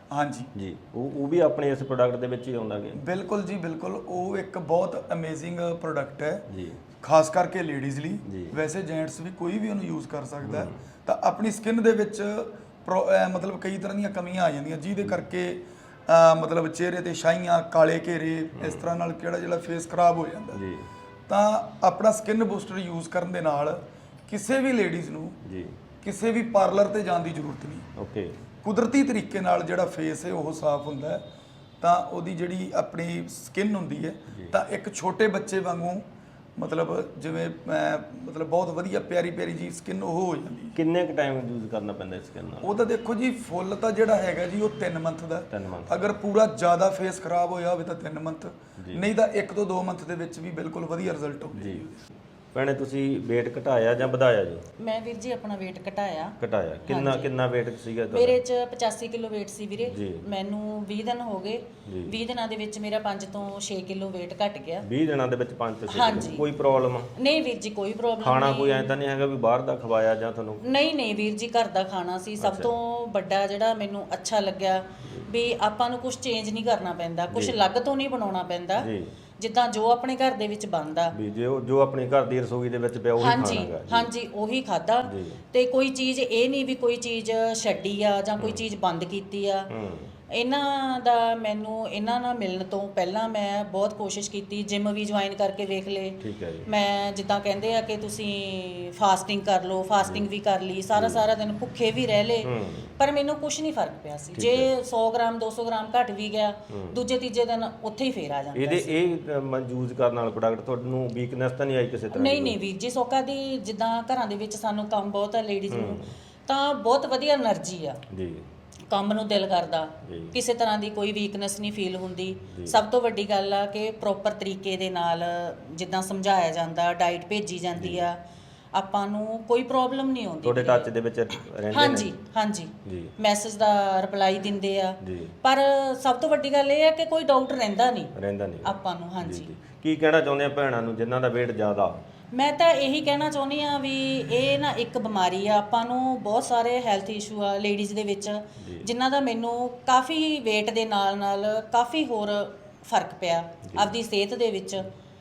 S4: ਹਾਂਜੀ
S2: ਜੀ ਉਹ ਉਹ ਵੀ ਆਪਣੇ ਇਸ ਪ੍ਰੋਡਕਟ ਦੇ ਵਿੱਚ ਹੀ ਆਉਂਦਾ ਗੇ
S4: ਬਿਲਕੁਲ ਜੀ ਬਿਲਕੁਲ। ਉਹ ਇੱਕ ਬਹੁਤ ਅਮੇਜ਼ਿੰਗ ਪ੍ਰੋਡਕਟ ਹੈ
S2: ਜੀ
S4: ਖਾਸ ਕਰਕੇ ਲੇਡੀਜ਼ ਲਈ।
S2: ਜੀ।
S4: ਵੈਸੇ ਜੈਂਟਸ ਵੀ ਕੋਈ ਵੀ ਉਹਨੂੰ ਯੂਜ਼ ਕਰ ਸਕਦਾ ਹੈ। ਤਾਂ ਆਪਣੀ ਸਕਿਨ ਦੇ ਵਿੱਚ ਪ੍ਰੋ- ਅਹ ਮਤਲਬ ਕਈ ਤਰ੍ਹਾਂ ਦੀਆਂ ਕਮੀਆਂ ਆ ਜਾਂਦੀਆਂ ਜਿਹਦੇ ਕਰਕੇ ਅਹ ਮਤਲਬ ਚਿਹਰੇ ਤੇ ਛਾਈਆਂ, ਕਾਲੇ ਘੇਰੇ, ਇਸ ਤਰ੍ਹਾਂ ਨਾਲ ਕਿਹੜਾ ਜਿਹੜਾ ਫੇਸ ਖਰਾਬ ਹੋ ਜਾਂਦਾ।
S2: ਜੀ
S4: ਤਾਂ ਆਪਣਾ ਸਕਿਨ ਬੂਸਟਰ ਯੂਜ਼ ਕਰਨ ਦੇ ਨਾਲ ਕਿਸੇ ਵੀ ਲੇਡੀਜ਼ ਨੂੰ
S2: ਜੀ
S4: ਕਿਸੇ ਵੀ ਪਾਰਲਰ ਤੇ ਜਾਣ ਦੀ ਜ਼ਰੂਰਤ ਨਹੀਂ।
S2: ਓਕੇ
S4: ਕੁਦਰਤੀ ਤਰੀਕੇ ਨਾਲ ਜਿਹੜਾ ਫੇਸ ਹੈ ਉਹ ਸਾਫ਼ ਹੁੰਦਾ ਹੈ। ਤਾਂ ਉਹਦੀ ਜਿਹੜੀ ਆਪਣੀ ਸਕਿਨ ਹੁੰਦੀ ਹੈ ਤਾਂ ਇੱਕ ਛੋਟੇ ਬੱਚੇ ਵਾਂਗੂ ਮਤਲਬ ਜਿਵੇਂ ਅਹ, ਮਤਲਬ ਬਹੁਤ ਵਧੀਆ ਪਿਆਰੀ ਪਿਆਰੀ ਜੀ ਸਕਿਨ ਉਹ ਹੋ ਜਾਂਦੀ ਹੈ।
S2: ਕਿੰਨੇ ਕੁ ਟਾਈਮ ਯੂਜ਼ ਕਰਨਾ ਪੈਂਦਾ ਇਸ ਸਕਿਨ ਨਾਲ?
S4: ਉਹ ਤਾਂ ਦੇਖੋ ਜੀ ਫੁੱਲ ਤਾਂ ਜਿਹੜਾ ਹੈਗਾ ਜੀ ਉਹ ਤਿੰਨ ਮੰਥ ਦਾ।
S2: ਤਿੰਨ ਮੰਥ
S4: ਅਗਰ ਪੂਰਾ ਜ਼ਿਆਦਾ ਫੇਸ ਖਰਾਬ ਹੋਇਆ ਹੋਵੇ ਤਾਂ ਤਿੰਨ ਮੰਥ, ਨਹੀਂ ਤਾਂ ਇੱਕ ਤੋਂ ਦੋ ਮੰਥ ਦੇ ਵਿੱਚ ਵੀ ਬਿਲਕੁਲ ਵਧੀਆ ਰਿਜ਼ਲਟ ਹੁੰਦੇ ਜੀ।
S2: ਭੈਣੇ ਤੁਸੀਂ weight ਘਟਾਇਆ ਜਾਂ ਵਧਾਇਆ ਜੀ?
S1: ਮੈਂ ਵੀਰ ਜੀ ਆਪਣਾ weight ਘਟਾਇਆ।
S2: ਘਟਾਇਆ ਕਿੰਨਾ ਕਿੰਨਾ weight ਸੀਗਾ ਤੁਹਾਡਾ?
S1: ਮੇਰੇ ਚ ਪਚਾਸੀ ਕਿਲੋ weight ਸੀ ਵੀਰੇ।
S2: ਜੀ।
S1: ਮੈਨੂੰ ਵੀਹ ਦਿਨ ਹੋ ਗਏ।
S2: ਜੀ।
S1: ਵੀਹ ਦਿਨਾਂ ਦੇ ਵਿੱਚ ਮੇਰਾ ਪੰਜ ਤੋਂ ਛੇ ਕਿਲੋ weight ਘਟ ਗਿਆ।
S2: ਵੀਹ ਦਿਨਾਂ ਦੇ ਵਿੱਚ ਪੰਜ ਤੋਂ ਛੇ
S1: ਹਾਂਜੀ।
S2: ਕਿਲੋ? ਕੋਈ ਪ੍ਰੋਬਲਮ
S1: ਨਹੀਂ ਵੀਰ ਜੀ ਕੋਈ ਪ੍ਰੋਬਲਮ
S2: ਖਾਣਾ
S1: ਨਹੀਂ।
S2: ਕੋਈ ਐਂ ਤਾਂ ਨਹੀਂ ਹੈਗਾ ਵੀ ਬਾਹਰ ਦਾ ਖਵਾਇਆ ਜਾਂ ਤੁਹਾਨੂੰ?
S1: ਨਹੀਂ ਨਹੀਂ ਵੀਰ ਜੀ ਘਰ ਦਾ ਖਾਣਾ ਸੀ ਸਭ ਤੋਂ ਵੱਡਾ ਜਿਹੜਾ ਮੈਨੂੰ ਅੱਛਾ ਲੱਗਿਆ ਵੀ ਆਪਾਂ ਨੂੰ ਕੁਝ ਚੇਂਜ ਨਹੀਂ ਕਰਨਾ ਪੈਂਦਾ, ਕੁਝ ਅਲੱਗ ਤੋਂ ਨਹੀਂ ਬਣਾਉਣਾ ਪੈਂਦਾ।
S2: ਜੀ
S1: ਜਿੱਦਾਂ ਜੋ ਆਪਣੇ ਘਰ ਦੇ ਵਿੱਚ ਬਣਦਾ
S2: ਵੀ ਜੋ ਜੋ ਆਪਣੀ ਘਰ ਦੀ ਰਸੋਈ ਦੇ ਵਿੱਚ ਪਿਆ ਉਹੀ
S1: ਹਾਂਜੀ
S2: ਖਾਣਾਗਾ।
S1: ਹਾਂਜੀ ਉਹੀ ਖਾਦਾ।
S2: ਜੀ।
S1: ਤੇ ਕੋਈ ਚੀਜ਼ ਇਹ ਨਹੀਂ ਵੀ ਕੋਈ ਚੀਜ਼ ਛੱਡੀ ਆ ਜਾਂ ਕੋਈ ਚੀਜ਼ ਬੰਦ ਕੀਤੀ ਆ।
S2: ਹੂੰ
S1: ਇਹਨਾਂ ਦਾ ਮੈਨੂੰ ਇਹਨਾਂ ਨਾਲ ਮਿਲਣ ਤੋਂ ਪਹਿਲਾਂ ਮੈਂ ਬਹੁਤ ਕੋਸ਼ਿਸ਼ ਕੀਤੀ, ਜਿਮ ਵੀ ਜੁਆਇਨ ਕਰਕੇ ਵੇਖ ਲਏ।
S2: ਠੀਕ ਹੈ ਜੀ।
S1: ਮੈਂ ਜਿੱਦਾਂ ਕਹਿੰਦੇ ਆ ਕਿ ਤੁਸੀਂ ਫਾਸਟਿੰਗ ਕਰ ਲਓ, ਫਾਸਟਿੰਗ ਵੀ ਕਰ ਲਈ, ਸਾਰਾ ਸਾਰਾ ਦਿਨ ਭੁੱਖੇ ਵੀ ਰਹਿ ਲਏ,
S2: ਹੂੰ
S1: ਪਰ ਮੈਨੂੰ ਕੁਝ ਨਹੀਂ ਫਰਕ ਪਿਆ ਸੀ। ਜੇ ਸੌ ਗ੍ਰਾਮ ਦੋ ਸੌ ਗ੍ਰਾਮ ਘਟ ਵੀ ਗਿਆ ਦੂਜੇ ਤੀਜੇ ਦਿਨ ਉੱਥੇ ਹੀ ਫੇਰ ਆ ਜਾਂਦਾ
S2: ਇਹਦੇ
S1: ਸੀ।
S2: ਇਹ ਯੂਜ਼ ਕਰਨ ਨਾਲ ਪ੍ਰੋਡਕਟ ਤੁਹਾਨੂੰ ਵੀਕਨੈਸ ਤਾਂ ਨਹੀਂ ਆਈ ਕਿਸੇ ਤਰ੍ਹਾਂ
S1: ਨਹੀਂ ਨਹੀਂ ਵੀਰ ਜੀ ਸੋਕਾ ਦੀ ਜਿੱਦਾਂ ਘਰਾਂ ਦੇ ਵਿੱਚ ਸਾਨੂੰ ਕੰਮ ਬਹੁਤ ਆ ਲੇਡੀਜ਼ ਨੂੰ, ਤਾਂ ਬਹੁਤ ਵਧੀਆ એનર્ਜੀ ਆ,
S2: ਜੀ
S1: ਕੰਮ ਨੂੰ ਦਿਲ ਕਰਦਾ,
S2: ਜੀ।
S1: ਕਿਸੇ ਤਰ੍ਹਾਂ ਦੀ ਕੋਈ ਵੀਕਨੈਸ ਨਹੀਂ ਫੀਲ ਹੁੰਦੀ। ਸਭ ਤੋਂ ਵੱਡੀ ਗੱਲ ਆ ਕਿ ਪ੍ਰੋਪਰ ਤਰੀਕੇ ਦੇ ਨਾਲ ਜਿੱਦਾਂ ਸਮਝਾਇਆ ਜਾਂਦਾ, ਡਾਈਟ ਭੇਜੀ ਜਾਂਦੀ ਆ, ਆਪਾਂ ਨੂੰ ਕੋਈ ਪ੍ਰੋਬਲਮ ਨਹੀਂ ਆਉਂਦੀ।
S2: ਤੁਹਾਡੇ ਟੱਚ ਦੇ ਵਿੱਚ ਰਹਿੰਦੇ ਨੇ?
S1: ਹਾਂਜੀ ਹਾਂਜੀ
S2: ਜੀ
S1: ਮੈਸੇਜ ਦਾ ਰਿਪਲਾਈ ਦਿੰਦੇ ਆ।
S2: ਜੀ
S1: ਪਰ ਸਭ ਤੋਂ ਵੱਡੀ ਗੱਲ ਇਹ ਹੈ ਕਿ ਕੋਈ ਡਾਊਟ ਰਹਿੰਦਾ ਨਹੀਂ
S2: ਰਹਿੰਦਾ ਨਹੀਂ
S1: ਆਪਾਂ ਨੂੰ। ਹਾਂਜੀ
S2: ਜੀ। ਕੀ ਕਹਿਣਾ ਚਾਹੁੰਦੇ ਆ ਭੈਣਾਂ ਨੂੰ ਜਿਨ੍ਹਾਂ ਦਾ weight ਜ਼ਿਆਦਾ?
S1: ਮੈਂ ਤਾਂ ਇਹੀ ਕਹਿਣਾ ਚਾਹੁੰਦੀ ਆ ਵੀ ਇਹ ਨਾ ਇੱਕ ਬਿਮਾਰੀ ਆ, ਆਪਾਂ ਨੂੰ ਬਹੁਤ ਸਾਰੇ ਹੈਲਥ ਇਸ਼ੂ ਆ ਲੇਡੀਜ਼ ਦੇ ਵਿੱਚ ਜਿਨ੍ਹਾਂ ਦਾ ਮੈਨੂੰ ਕਾਫੀ weight ਦੇ ਨਾਲ ਨਾਲ ਕਾਫੀ ਹੋਰ ਫਰਕ ਪਿਆ ਆਪਦੀ ਸਿਹਤ ਦੇ ਵਿੱਚ।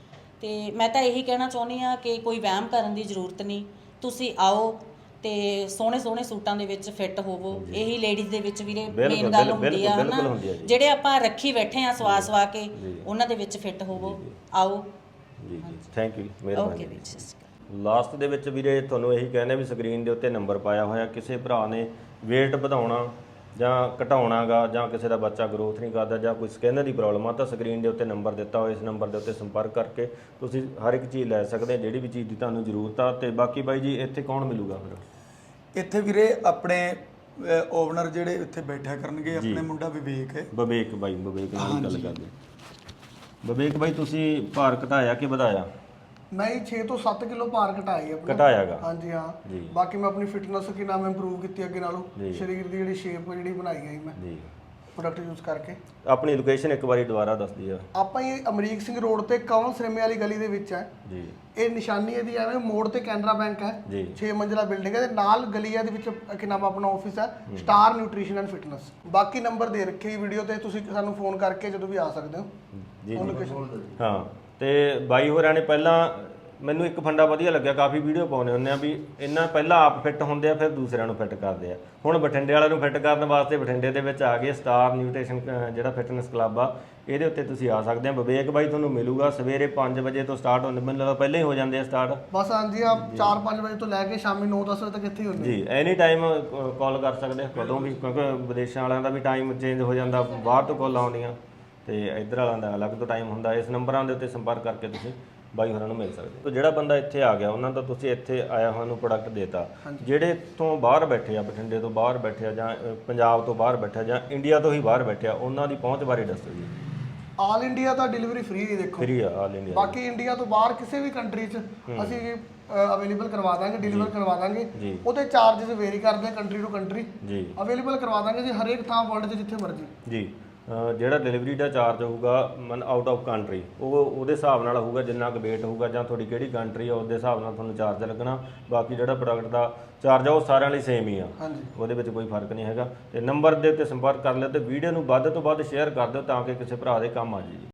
S1: ਤੇ ਮੈਂ ਤਾਂ ਇਹੀ ਕਹਿਣਾ ਚਾਹੁੰਦੀ ਆ ਕਿ ਕੋਈ ਵਹਿਮ ਕਰਨ ਦੀ ਜ਼ਰੂਰਤ ਨਹੀਂ, ਤੁਸੀਂ ਆਓ ਤੇ ਸੋਹਣੇ ਸੋਹਣੇ ਸੂਟਾਂ ਦੇ ਵਿੱਚ ਫਿੱਟ ਹੋਵੋ। ਇਹੀ ਲੇਡੀਜ਼ ਦੇ ਵਿੱਚ ਵੀਰੇ ਮੇਨ ਗੱਲ ਹੁੰਦੀ ਆ ਹਨਾ, ਜਿਹੜੇ ਆਪਾਂ ਰੱਖੀ ਬੈਠੇ ਆ ਸਵਾ ਸਵਾ ਕੇ, ਉਹਨਾਂ ਦੇ ਵਿੱਚ ਫਿੱਟ ਹੋਵੋ। ਆਓ
S2: ਜੀ ਜੀ ਥੈਂਕ ਯੂ
S1: ਓਕੇ
S2: ਮਿਹਰਬਾਨੀ।
S1: ਵੀਰ ਸਤਿ ਸ਼੍ਰੀ ਅਕਾਲ।
S2: ਲਾਸਟ ਦੇ ਵਿੱਚ ਵੀਰੇ ਤੁਹਾਨੂੰ ਇਹੀ ਕਹਿੰਦੇ ਵੀ ਸਕਰੀਨ ਦੇ ਉੱਤੇ ਨੰਬਰ ਪਾਇਆ ਹੋਇਆ, ਕਿਸੇ ਭਰਾ ਨੇ weight ਵਧਾਉਣਾ ਜਾਂ ਘਟਾਉਣਾਗਾ ਜਾਂ ਕਿਸੇ ਦਾ ਬੱਚਾ ਗਰੋਥ ਨਹੀਂ ਕਰਦਾ ਜਾਂ ਕੋਈ ਸਕਿਨ ਦੀ ਪ੍ਰੋਬਲਮ ਆ ਤਾਂ ਸਕਰੀਨ ਦੇ ਉੱਤੇ ਨੰਬਰ ਦਿੱਤਾ ਹੋਇਆ, ਇਸ ਨੰਬਰ ਦੇ ਉੱਤੇ ਸੰਪਰਕ ਕਰਕੇ ਤੁਸੀਂ ਹਰ ਇੱਕ ਚੀਜ਼ ਲੈ ਸਕਦੇ ਜਿਹੜੀ ਵੀ ਚੀਜ਼ ਦੀ ਤੁਹਾਨੂੰ ਜ਼ਰੂਰਤ ਆ। ਤੇ ਬਾਕੀ ਬਾਈ ਜੀ ਇੱਥੇ ਕੌਣ ਮਿਲੂਗਾ ਫਿਰ?
S4: ਇੱਥੇ ਵੀਰੇ ਆਪਣੇ ਓਨਰ ਜਿਹੜੇ ਇੱਥੇ ਬੈਠਿਆ ਕਰਨਗੇ, ਆਪਣੇ ਮੁੰਡਾ ਵਿਵੇਕ ਹੈ।
S2: ਵਿਵੇਕ ਬਾਈ, ਵਿਵੇਕ ਨਾਲ ਹੀ ਗੱਲ ਕਰਦੇ। ਵਿਵੇਕ ਬਾਈ ਤੁਸੀਂ ਭਾਰ ਘਟਾਇਆ ਕਿ ਵਧਾਇਆ?
S5: ਮੈਂ ਜੀ ਛੇ ਤੋਂ ਸੱਤ ਕਿਲੋ ਭਾਰ ਘਟਾਈ ਆਪਣਾ।
S2: ਘਟਾਇਆਗਾ?
S5: ਹਾਂਜੀ ਹਾਂ।
S2: ਜੀ।
S5: ਬਾਕੀ ਮੈਂ ਆਪਣੀ ਫਿਟਨੈਸ ਕੀ ਨਾਮ ਇੰਪਰੂਵ ਕੀਤੀ ਅੱਗੇ ਨਾਲੋਂ,
S2: ਜੀ।
S5: ਸਰੀਰ ਦੀ ਜਿਹੜੀ ਸ਼ੇਪ ਜਿਹੜੀ ਬਣਾਈ ਗਈ ਮੈਂ
S2: ਜੀ।
S5: ਪ੍ਰੋਡਕਟ ਯੂਜ਼ ਕਰਕੇ।
S2: ਆਪਣੀ ਲੋਕੇਸ਼ਨ ਇੱਕ ਵਾਰੀ ਦੁਬਾਰਾ ਦੱਸ ਦਿਓ।
S5: ਆਪਾਂ ਇਹ ਅਮਰੀਕ ਸਿੰਘ ਰੋਡ ਤੇ ਕਵਲ ਸਿਨੇਮੇ ਵਾਲੀ ਗਲੀ ਦੇ ਵਿੱਚ ਹੈ
S2: ਜੀ।
S5: ਇਹ ਨਿਸ਼ਾਨੀ ਇਹਦੀ ਐਵੇਂ ਮੋੜ ਤੇ ਕੈਨਰਾ ਬੈਂਕ ਹੈ,
S2: ਜੀ।
S5: ਛੇ ਮੰਜ਼ਿਲਾ ਬਿਲਡਿੰਗ ਹੈ ਤੇ ਨਾਲ ਗਲੀ ਹੈ ਦੇ ਵਿੱਚ ਕੀ ਨਾਮ ਆਪਣਾ ਆਫਿਸ ਹੈ ਸਟਾਰ ਨਿਊਟ੍ਰੀਸ਼ਨ ਐਂਡ ਫਿਟਨੈਸ। ਬਾਕੀ ਨੰਬਰ ਦੇ ਰੱਖੇ ਹੀ ਵੀਡੀਓ ਤੇ, ਤੁਸੀਂ ਸਾਨੂੰ ਫੋਨ ਕਰਕੇ ਜਦੋਂ ਵੀ ਆ ਸਕਦੇ ਹੋ।
S2: ਜੀ
S5: ਉਹ
S2: ਜੀ
S5: ਲੋਕੇਸ਼ਨ।
S2: ਹਾਂ। ਤੇ ਬਾਈ ਹੋਰਾਂ ਨੇ ਪਹਿਲਾਂ ਮੈਨੂੰ ਇੱਕ ਫੰਡਾ ਵਧੀਆ ਲੱਗਿਆ, ਕਾਫੀ ਵੀਡੀਓ ਪਾਉਂਦੇ ਹੁੰਦੇ ਆ ਵੀ ਇਹਨਾਂ ਪਹਿਲਾਂ ਆਪ ਫਿੱਟ ਹੁੰਦੇ ਆ ਫਿਰ ਦੂਸਰਿਆਂ ਨੂੰ ਫਿੱਟ ਕਰਦੇ ਆ। ਹੁਣ ਬਠਿੰਡੇ ਵਾਲਿਆਂ ਨੂੰ ਫਿੱਟ ਕਰਨ ਵਾਸਤੇ ਬਠਿੰਡੇ ਦੇ ਵਿੱਚ ਆ ਗਏ ਸਟਾਰ ਨਿਊਟ੍ਰੀਸ਼ਨ ਜਿਹੜਾ ਫਿਟਨੈਸ ਕਲੱਬ ਆ, ਇਹਦੇ ਉੱਤੇ ਤੁਸੀਂ ਆ ਸਕਦੇ ਆ। ਵਿਵੇਕ ਬਾਈ ਤੁਹਾਨੂੰ ਮਿਲੂਗਾ ਸਵੇਰੇ ਪੰਜ ਵਜੇ ਤੋਂ ਸਟਾਰਟ ਹੁੰਦੇ, ਮੈਨੂੰ ਲੱਗਦਾ ਪਹਿਲਾਂ ਹੀ ਹੋ ਜਾਂਦੇ ਆ ਸਟਾਰਟ।
S5: ਬਸ ਹਾਂਜੀ ਆ ਚਾਰ ਪੰਜ ਵਜੇ ਤੋਂ ਲੈ ਕੇ ਸ਼ਾਮੀ ਨੌ ਦਸ ਵਜੇ ਤੱਕ ਇੱਥੇ ਹੀ ਹੁੰਦੇ
S2: ਜੀ। ਐਨੀ ਟਾਈਮ ਕਾਲ ਕਰ ਸਕਦੇ ਆ ਕਦੋਂ ਵੀ, ਕਿਉਂਕਿ ਵਿਦੇਸ਼ਾਂ ਵਾਲਿਆਂ ਦਾ ਵੀ ਟਾਈਮ ਚੇਂਜ ਹੋ ਜਾਂਦਾ, ਬਾਹਰ ਤੋਂ ਕਾਲ ਆਉਂਦੀਆਂ ਤੇ ਇੱਧਰ ਵਾਲਿਆਂ ਦਾ ਅਲੱਗ ਤੋਂ ਟਾਈਮ ਹੁੰਦਾ। ਇਸ ਨੰਬਰਾਂ ਦੇ ਉੱਤੇ ਸੰਪਰਕ ਕਰਕੇ ਤੁਸੀਂ ਬਾਈ ਹੋਰਾਂ ਨੂੰ ਮਿਲ ਸਕਦੇ ਹੋ। ਜਿਹੜਾ ਬੰਦਾ ਇੱਥੇ ਆ ਗਿਆ ਉਹਨਾਂ ਦਾ ਤੁਸੀਂ ਇੱਥੇ ਆਇਆ ਹੋਇਆ ਨੂੰ ਪ੍ਰੋਡਕਟ ਦੇਤਾ, ਜਿਹੜੇ ਤੋਂ ਬਾਹਰ ਬੈਠੇ ਆ, ਬਠਿੰਡੇ ਤੋਂ ਬਾਹਰ ਬੈਠੇ ਆ ਜਾਂ ਅ, ਪੰਜਾਬ ਤੋਂ ਬਾਹਰ ਬੈਠੇ ਆ ਜਾਂ ਇੰਡੀਆ ਤੋਂ ਹੀ ਬਾਹਰ ਬੈਠੇ ਆ, ਉਹਨਾਂ ਦੀ ਪਹੁੰਚ ਬਾਰੇ ਦੱਸੋ ਜੀ।
S5: ਆਲ ਇੰਡੀਆ ਤਾਂ ਡਿਲੀਵਰੀ ਫ੍ਰੀ ਹੈ ਦੇਖੋ,
S2: ਫ੍ਰੀ ਆ ਆਲ ਇੰਡੀਆ।
S5: ਬਾਕੀ ਇੰਡੀਆ ਤੋਂ ਬਾਹਰ ਕਿਸੇ ਵੀ ਕੰਟਰੀ 'ਚ ਅਸੀਂ ਅਵੇਲੇਬਲ ਕਰਵਾ ਦਾਂਗੇ, ਡਿਲੀਵਰ ਕਰਵਾ ਦਾਂਗੇ।
S2: ਜੀ।
S5: ਉਹਦੇ ਚਾਰजेस ਵੇਰੀ ਕਰਦੇ ਕੰਟਰੀ ਟੂ ਕੰਟਰੀ।
S2: ਜੀ
S5: ਅਵੇਲੇਬਲ ਕਰਵਾ ਦਾਂਗੇ ਜੀ ਹਰੇਕ ਥਾਂ ਵਰਲਡ 'ਚ ਜਿੱਥੇ ਮਰਜ਼ੀ।
S2: ਜੀ। ਅ, ਜਿਹੜਾ ਡਿਲੀਵਰੀ ਦਾ ਚਾਰਜ ਹੋਊਗਾ ਮਨ ਆਊਟ ਆਫ ਕੰਟਰੀ ਉਹ ਉਹਦੇ ਹਿਸਾਬ ਨਾਲ ਹੋਊਗਾ, ਜਿੰਨਾ ਕੁ ਵੇਟ ਹੋਊਗਾ ਜਾਂ ਤੁਹਾਡੀ ਕਿਹੜੀ ਕੰਟਰੀ ਆ ਉਹਦੇ ਹਿਸਾਬ ਨਾਲ ਤੁਹਾਨੂੰ ਚਾਰਜ ਲੱਗਣਾ। ਬਾਕੀ ਜਿਹੜਾ ਪ੍ਰੋਡਕਟ ਦਾ ਚਾਰਜ ਆ ਉਹ ਸਾਰਿਆਂ ਲਈ ਸੇਮ ਹੀ ਆ,
S5: ਹਾਂਜੀ
S2: ਉਹਦੇ ਵਿੱਚ ਕੋਈ ਫਰਕ ਨਹੀਂ ਹੈਗਾ। ਤੇ ਨੰਬਰ ਦੇ ਉੱਤੇ ਸੰਪਰਕ ਕਰ ਲਿਓ ਤੇ ਵੀਡੀਓ ਨੂੰ ਵੱਧ ਤੋਂ ਵੱਧ ਸ਼ੇਅਰ ਕਰ ਦਿਓ ਤਾਂ ਕਿ ਕਿਸੇ ਭਰਾ ਦੇ ਕੰਮ ਆ ਜਾਵੇ ਜੀ।